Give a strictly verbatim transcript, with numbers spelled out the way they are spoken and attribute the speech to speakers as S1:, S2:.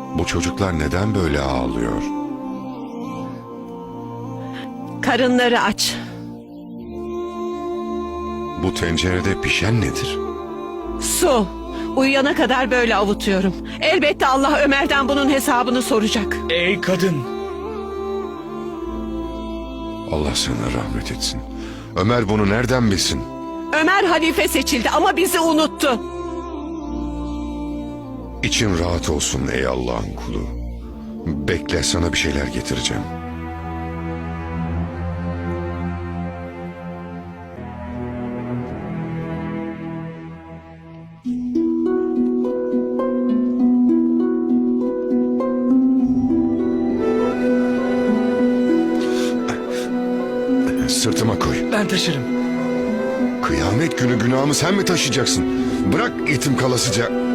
S1: Bu çocuklar neden böyle ağlıyor?
S2: Karınları aç.
S1: Bu tencerede pişen nedir?
S2: Su. Uyuyana kadar böyle avutuyorum. Elbette Allah Ömer'den bunun hesabını soracak.
S3: Ey kadın!
S1: Allah sana rahmet etsin. Ömer bunu nereden bilsin?
S2: Ömer halife seçildi ama bizi unuttu.
S1: İçin rahat olsun ey Allah'ın kulu. Bekle, sana bir şeyler getireceğim. Sırtıma koy.
S3: Ben taşırım.
S1: Kıyamet günü günahımı sen mi taşıyacaksın? Bırak itim kalasıca.